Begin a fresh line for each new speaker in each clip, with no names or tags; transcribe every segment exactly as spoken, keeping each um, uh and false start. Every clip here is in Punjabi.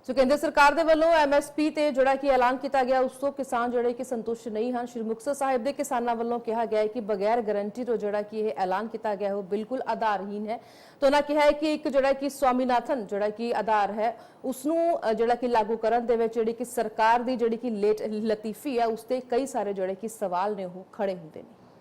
ਸੋ ਕੇਂਦਰ ਸਰਕਾਰ ਦੇ ਵੱਲੋਂ ਐਮਐਸਪੀ ਤੇ ਜਿਹੜਾ ਕਿ ਐਲਾਨ ਕੀਤਾ ਗਿਆ ਉਸ ਤੋਂ ਕਿਸਾਨ ਜਿਹੜੇ ਕਿ ਸੰਤੁਸ਼ਟ ਨਹੀਂ ਹਨ। ਸ਼੍ਰੀ ਮੁਕਤਸਰ ਸਾਹਿਬ ਦੇ ਕਿਸਾਨਾਂ ਵੱਲੋਂ ਕਿਹਾ ਗਿਆ ਹੈ ਕਿ ਬਗੈਰ ਗਾਰੰਟੀ ਤੋਂ ਜਿਹੜਾ ਕਿ ਇਹ ਐਲਾਨ ਕੀਤਾ ਗਿਆ ਹੈ ਉਹ ਬਿਲਕੁਲ ਆਧਾਰਹੀਨ ਹੈ। ਤਾਂ ਉਹਨਾਂ ਕਿਹਾ ਹੈ ਕਿ ਇੱਕ ਜਿਹੜਾ ਕਿ ਸਵਾਮੀਨਾਥਨ ਜਿਹੜਾ ਕਿ ਆਧਾਰ ਹੈ ਉਸ ਨੂੰ ਜਿਹੜਾ ਕਿ ਲਾਗੂ ਕਰਨ ਦੇ ਵਿੱਚ ਜਿਹੜੀ ਕਿ ਸਰਕਾਰ ਦੀ ਜਿਹੜੀ ਕਿ ਲੇਟ ਲਤੀਫੀ ਹੈ ਉਸ ਤੇ ਕਈ ਸਾਰੇ ਜਿਹੜੇ ਕਿ ਸਵਾਲ ਨੇ ਉਹ ਖੜੇ ਹੁੰਦੇ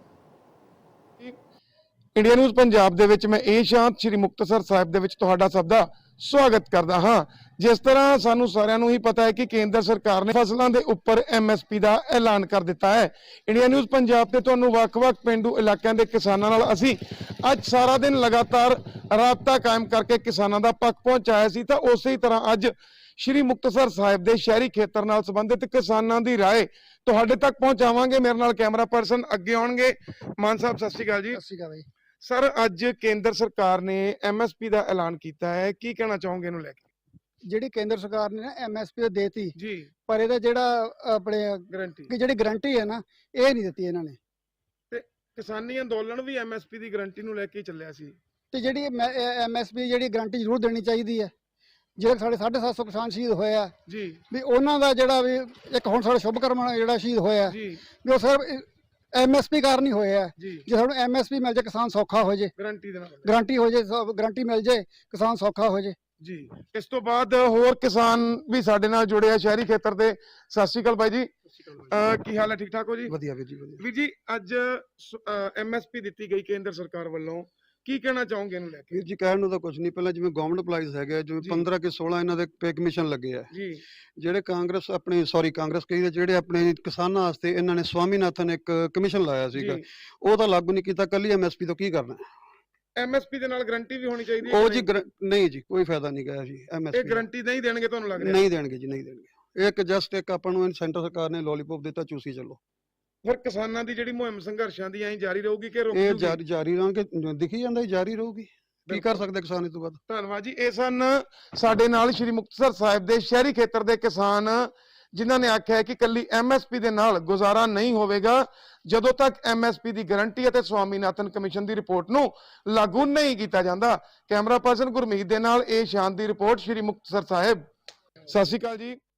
ਨੇ।
ਇੰਡੀਆ ਨਿਊਜ਼ ਪੰਜਾਬ ਦੇ ਵਿੱਚ ਮੈਂ ਇਹ ਸ਼ਾਂਤ ਸ਼੍ਰੀ ਮੁਕਤਸਰ ਸਾਹਿਬ ਦੇ ਵਿੱਚ ਤੁਹਾਡਾ ਸਭ ਦਾ ਸਵਾਗਤ ਕਰਦਾ ਹਾਂ। ਜਿਸ ਤਰ੍ਹਾਂ ਸਾਨੂੰ ਸਾਰਿਆਂ ਨੂੰ ਹੀ ਪਤਾ ਹੈ ਕਿ ਕੇਂਦਰ ਸਰਕਾਰ ਨੇ ਫਸਲਾਂ ਦੇ ਉੱਪਰ ਐਮਐਸਪੀ ਦਾ ਐਲਾਨ ਕਰ ਦਿੱਤਾ ਹੈ। ਇੰਡੀਆ ਨਿਊਜ਼ ਪੰਜਾਬ ਤੇ ਤੁਹਾਨੂੰ ਵੱਖ-ਵੱਖ ਪਿੰਡੂ ਇਲਾਕਿਆਂ ਦੇ ਕਿਸਾਨਾਂ ਨਾਲ ਅਸੀਂ ਅੱਜ ਸਾਰਾ ਦਿਨ ਲਗਾਤਾਰ ਰਾਬਤਾ ਕਾਇਮ ਕਰਕੇ ਕਿਸਾਨਾਂ ਦਾ ਪੱਖ ਪਹੁੰਚਾਇਆ ਸੀ, ਤਾਂ ਉਸੇ ਤਰ੍ਹਾਂ ਅੱਜ ਸ਼੍ਰੀ ਮੁਕਤਸਰ ਸਾਹਿਬ ਦੇ ਸ਼ਹਿਰੀ ਖੇਤਰ ਨਾਲ ਸੰਬੰਧਿਤ ਕਿਸਾਨਾਂ ਦੀ ਰਾਏ ਤੁਹਾਡੇ ਤੱਕ ਪਹੁੰਚਾਵਾਂਗੇ। ਮੇਰੇ ਨਾਲ ਕੈਮਰਾ ਪਰਸਨ ਅੱਗੇ ਆਉਣਗੇ। ਮਾਨ ਸਾਹਿਬ ਸਤਿ ਸ਼੍ਰੀ ਅਕਾਲ ਜੀ।
ਸਤਿ ਸ਼੍ਰੀ ਅਕਾਲ ਜੀ।
ਸਰ, ਅੱਜ ਕੇਂਦਰ ਸਰਕਾਰ ਨੇ ਐਮਐਸਪੀ ਦਾ ਐਲਾਨ ਕੀਤਾ ਹੈ, ਕੀ ਕਹਿਣਾ ਚਾਹੋਗੇ ਇਹਨੂੰ ਲੈ ਕੇ?
ਜਿਹੜੀ ਕੇਂਦਰ ਸਰਕਾਰ ਨੇ ਨਾ ਐਮਐਸਪੀ ਦੇਤੀ
ਜੀ,
ਪਰ ਇਹਦਾ ਜਿਹੜਾ ਆਪਣੇ
ਗਾਰੰਟੀ
ਕਿ ਜਿਹੜੀ ਗਾਰੰਟੀ ਹੈ ਨਾ ਇਹ ਨਹੀਂ ਦਿੱਤੀ ਇਹਨਾਂ ਨੇ।
ਤੇ ਕਿਸਾਨੀ ਅੰਦੋਲਨ ਵੀ ਐਮਐਸਪੀ ਦੀ ਗਾਰੰਟੀ ਨੂੰ ਲੈ ਕੇ ਹੀ ਚੱਲਿਆ ਸੀ।
ਤੇ ਜਿਹੜੀ ਐਮਐਸਪੀ ਜਿਹੜੀ ਗਾਰੰਟੀ ਜ਼ਰੂਰ ਦੇਣੀ ਚਾਹੀਦੀ ਹੈ। ਜਿਹੜੇ ਸਾਡੇ ਸਾਢੇ ਸੱਤ ਸੌ ਕਿਸਾਨ ਸ਼ਹੀਦ ਹੋਏ ਆ
ਜੀ,
ਵੀ ਉਹਨਾਂ ਦਾ ਜਿਹੜਾ ਵੀ ਇੱਕ ਹੁਣ ਸਾਡਾ ਸ਼ੁਭਕਰਮ ਜਿਹੜਾ ਸ਼ਹੀਦ ਹੋਇਆ
ਜੀ,
ਵੀ ਉਹ ਸਿਰਫ ਐਮਐਸਪੀ ਕਾਰਨ ਹੀ ਹੋਇਆ।
ਜੀ,
ਜੇ ਸਾਨੂੰ ਐਮਐਸਪੀ ਮਿਲ ਜਾਏ ਕਿਸਾਨ ਸੌਖਾ ਹੋ ਜਾਏ,
ਗਾਰੰਟੀ ਦੇ ਨਾਲ
ਗਾਰੰਟੀ ਹੋ ਜਾਏ, ਗਾਰੰਟੀ ਮਿਲ ਜਾਏ ਕਿਸਾਨ ਸੌਖਾ ਹੋ ਜਾਏ।
ਜੀ। ਇਸ ਤੋਂ ਬਾਅਦ ਹੋਰ ਕਿਸਾਨ ਵੀ ਸਾਡੇ ਨਾਲ ਜੁੜੇ ਆ ਸ਼ਹਿਰੀ ਖੇਤਰ ਦੇ। ਸਤਿ ਸ਼੍ਰੀ ਅਕਾਲ ਬਾਈ ਜੀ, ਅਹ ਕੀ ਹਾਲ ਹੈ? ਠੀਕ ਠਾਕ ਹੋ ਜੀ?
ਵਧੀਆ ਵੀਰ ਜੀ, ਵਧੀਆ।
ਵੀਰ ਜੀ, ਅੱਜ ਐਮਐਸਪੀ ਦਿੱਤੀ ਗਈ ਕੇਂਦਰ ਸਰਕਾਰ ਵੱਲੋਂ, ਕੀ ਕਹਿਣਾ ਚਾਹੋਗੇ ਇਹਨੂੰ ਲੈ ਕੇ?
ਵੀਰ ਜੀ ਕਹਿਣ ਨੂੰ ਤਾਂ ਕੁਝ ਨਹੀਂ। ਪਹਿਲਾਂ ਜਿਵੇਂ ਗਵਰਨਮੈਂਟ ਅਪਲਾਈਜ਼ ਹੈਗੇ ਜਿਵੇਂ
ਜੀ।
ਪੰਦਰਾਂ ਕਿ ਸੋਲਾਂ ਇਹਨਾਂ ਦੇ ਪੇ ਕਮਿਸ਼ਨ ਲੱਗੇ ਆ।
ਜੀ,
ਜਿਹੜੇ ਕਾਂਗਰਸ ਆਪਣੀ ਸੌਰੀ ਕਾਂਗਰਸ ਕਹੀ ਜਿਹੜੇ ਆਪਣੇ ਕਿਸਾਨਾਂ ਵਾਸਤੇ ਇਹਨਾਂ ਨੇ ਸਵਾਮੀਨਾਥਨ ਇੱਕ ਕਮਿਸ਼ਨ ਲਾਇਆ ਸੀਗਾ,
ਜੀ।
ਉਹ ਤਾਂ ਲਾਗੂ ਨਹੀਂ ਕੀਤਾ। ਕੱਲੀ ਐਮਐਸਪੀ ਤੋਂ ਕੀ ਕਰਨਾ?
ਐਮਐਸਪੀ ਦੇ ਨਾਲ ਗਾਰੰਟੀ ਵੀ ਹੋਣੀ ਚਾਹੀਦੀ ਹੈ।
ਉਹ ਜੀ ਗਰ- ਨਹੀਂ ਜੀ, ਕੋਈ ਫਾਇਦਾ ਨਹੀਂ ਗਿਆ ਜੀ।
ਇਹ
ਐਮਐਸਪੀ
ਗਾਰੰਟੀ ਨਹੀਂ ਦੇਣਗੇ ਤੁਹਾਨੂੰ ਲੱਗ ਰਿਹਾ?
ਨਹੀਂ ਦੇਣਗੇ ਜੀ, ਨਹੀਂ ਦੇਣਗੇ। ਇੱਕ ਜਸਟ ਇੱਕ ਆਪਾਂ ਨੂੰ ਸੈਂਟਰ ਸਰਕਾਰ ਨੇ ਲੋਲੀਪੌਪ ਦਿੱਤਾ, ਚੂਸੀ ਚੱਲੋ।
ਫਿਰ ਕਿਸਾਨਾਂ ਦੀ ਜਿਹੜੀ ਮੁਹਿੰਮ ਸੰਘਰਸ਼ਾਂ ਦੀ ਐਂ ਜਾਰੀ ਰਹੂਗੀ ਕਿ ਰੁਕ
ਇਹ
ਜੂਗੀ?
ਜਾਰੀ ਜਾਰੀ ਰਹਾਂਗੇ, ਦਿਖੀ ਜਾਂਦਾ ਜੀ, ਜਾਰੀ ਰਹੂਗੀ। ਕੀ ਕਰ ਸਕਦੇ ਕਿਸਾਨ ਇਸ ਤੋਂ ਬਾਅਦ?
ਧੰਨਵਾਦ ਜੀ। ਇਹ ਸਨ ਸਾਡੇ ਨਾਲ ਸ਼੍ਰੀ ਮੁਕਤਸਰ ਸਾਹਿਬ ਦੇ ਸ਼ਹਿਰੀ ਖੇਤਰ ਦੇ ਕਿਸਾਨ, ਜਿਨ੍ਹਾਂ ਨੇ ਆਖਿਆ ਹੈ ਕਿ ਕੱਲੀ ਐਮਐਸਪੀ ਦੇ ਨਾਲ ਗੁਜ਼ਾਰਾ ਨਹੀਂ ਹੋਵੇਗਾ ਜਦੋਂ ਤੱਕ ਐਮਐਸਪੀ ਦੀ ਗਾਰੰਟੀ ਅਤੇ ਸਵਾਮੀਨਾਥਨ ਕਮਿਸ਼ਨ ਦੀ ਰਿਪੋਰਟ ਨੂੰ ਲਾਗੂ ਨਹੀਂ ਕੀਤਾ ਜਾਂਦਾ। ਕੈਮਰਾ ਪਰਸਨ ਗੁਰਮੀਤ ਦੇ ਨਾਲ ਇਹ ਸ਼ਾਨ ਦੀ ਰਿਪੋਰਟ ਸ਼੍ਰੀ ਮੁਕਤਸਰ ਸਾਹਿਬ। ਸਤਿ ਸ਼੍ਰੀ ਅਕਾਲ ਜੀ।